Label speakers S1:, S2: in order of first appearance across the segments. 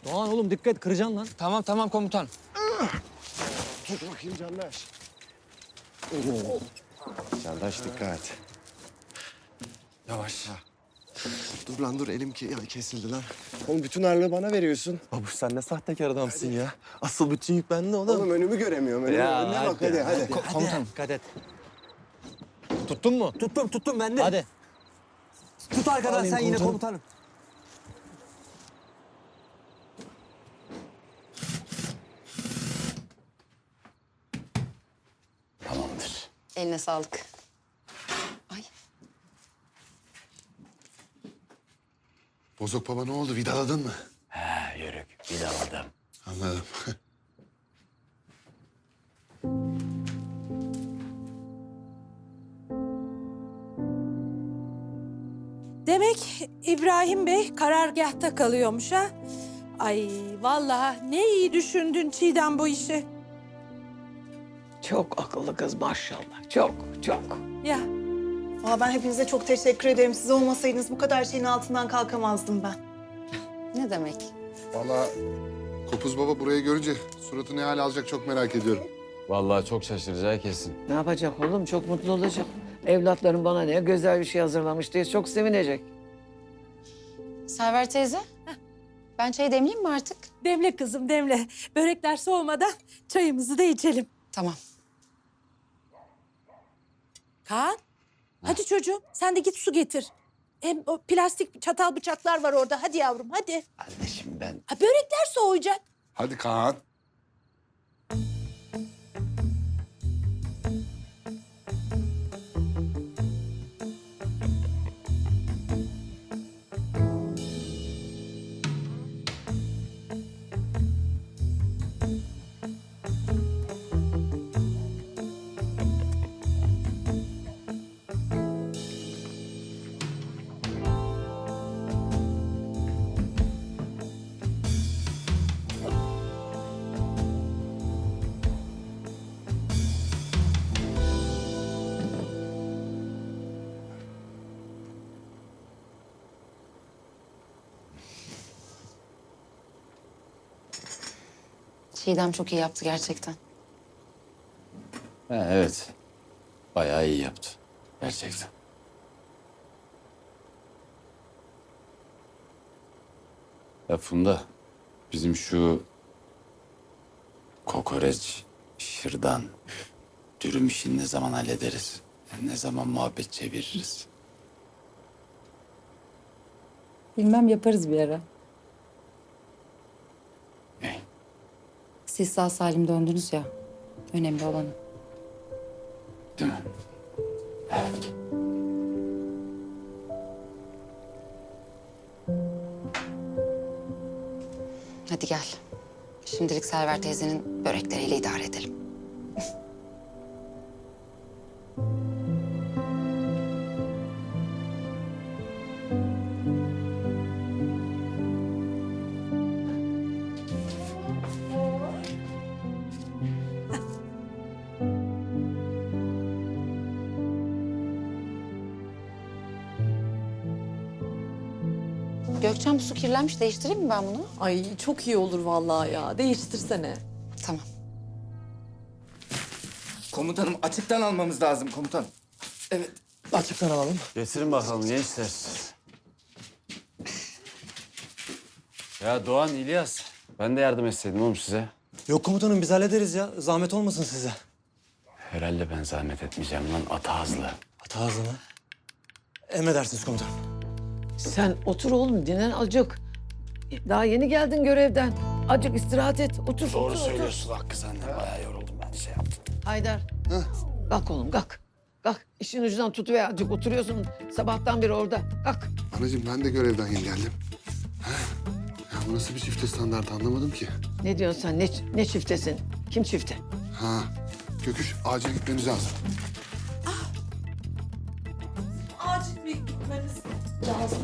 S1: Doğan oğlum dikkat, kıracaksın lan.
S2: Tamam tamam komutan.
S3: Tut bakayım Candaş. Candaş dikkat.
S2: Yavaş.
S3: Dur lan dur elim kesildi lan. Oğlum bütün ağırlığı bana veriyorsun.
S4: Babuş sen ne sahtekar adamsın ya. Asıl bütün yük bende oğlum.
S3: Oğlum önümü göremiyorum. Önüne bak hadi.
S1: Komutanım. Dikkat et.
S4: Tuttun mu? Tuttum ben de.
S1: Hadi.
S4: Tut arkadan
S1: Alayım
S4: sen yine
S1: komutanım.
S4: komutanım.
S5: Tamamdır.
S6: Eline sağlık. Ay.
S3: Bozok baba ne oldu? Vidaladın mı?
S5: Ha, yörük, vidaladım.
S3: Anladım.
S7: Demek İbrahim Bey karargâhta kalıyormuş ha? Ay vallahi ne iyi düşündün Çiğdem bu işi.
S8: Çok akıllı kız maşallah. Çok.
S7: Ya
S9: Valla ben hepinize çok teşekkür ederim. Siz olmasaydınız bu kadar şeyin altından kalkamazdım ben.
S6: Ne demek?
S10: Vallahi Kopuz Baba burayı görünce suratı ne hal alacak çok merak ediyorum.
S5: Vallahi çok şaşıracağı kesin.
S8: Ne yapacak oğlum? Çok mutlu olacak. Evlatlarım bana ne güzel bir şey hazırlamış diye çok sevinecek.
S6: Server teyze. Ben çay demleyeyim mi artık?
S7: demle kızım demle. Börekler soğumadan çayımızı da içelim.
S6: Tamam.
S7: Kaan hadi çocuğum sen de git su getir. Hem o plastik çatal bıçaklar var orada. Hadi yavrum hadi.
S5: Kardeşim ben...
S7: Ha, börekler soğuyacak.
S10: Hadi Kaan.
S6: Çiğdem çok iyi yaptı gerçekten.
S5: Ha, evet. Bayağı iyi yaptı. Gerçekten. Ya Funda, bizim şu kokoreç, şırdan, dürüm işini ne zaman hallederiz? Ne zaman muhabbet çeviririz?
S6: Bilmem yaparız bir ara.
S5: Ne?
S6: Siz sağ salim döndünüz ya. Önemli olan o.
S5: Değil mi? Evet.
S6: Hadi gel. Şimdilik Server teyzenin börekleriyle idare edelim. Gökçen bu su kirlenmiş. Değiştireyim mi ben bunu?
S9: Ay çok iyi olur vallahi ya. Değiştirsene.
S6: Tamam.
S2: Komutanım açıktan almamız lazım komutan. Evet.
S4: Açıktan alalım.
S5: Getirin bakalım gençler. Ya Doğan, İlyas. Ben de yardım etseydim oğlum size.
S4: Yok komutanım biz hallederiz ya. Zahmet olmasın size.
S5: Herhalde ben zahmet etmeyeceğim lan ata hızlı.
S4: Hata hızlı mı? Emredersiniz komutanım.
S8: Sen otur oğlum dinlen azıcık. Daha yeni geldin görevden. Azıcık istirahat et. Otur.
S5: Doğru
S8: otur,
S5: söylüyorsun Hakkı sen de. Bayağı yoruldum ben şey yaptım.
S8: Otur. Haydar. Kalk oğlum kalk. Kalk. İşin ucundan tutuver azıcık. Oturuyorsun sabahtan beri orada. Kalk.
S10: Anacığım ben de görevden yeni geldim. Ya bu nasıl bir çifte standart anlamadım ki.
S8: Ne diyorsun sen? Ne çiftesin? Kim çifte?
S10: Ha, Göküş acil gitmemiz lazım.
S7: Acil bir gitmeniz lazım.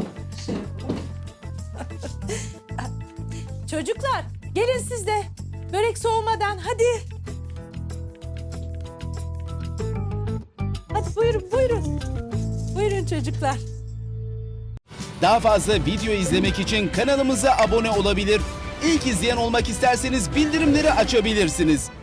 S7: Çocuklar gelin siz de. Börek soğumadan hadi. Hadi buyurun buyurun. Buyurun çocuklar.
S11: Daha fazla video izlemek için kanalımıza abone olabilir. İlk izleyen olmak isterseniz bildirimleri açabilirsiniz.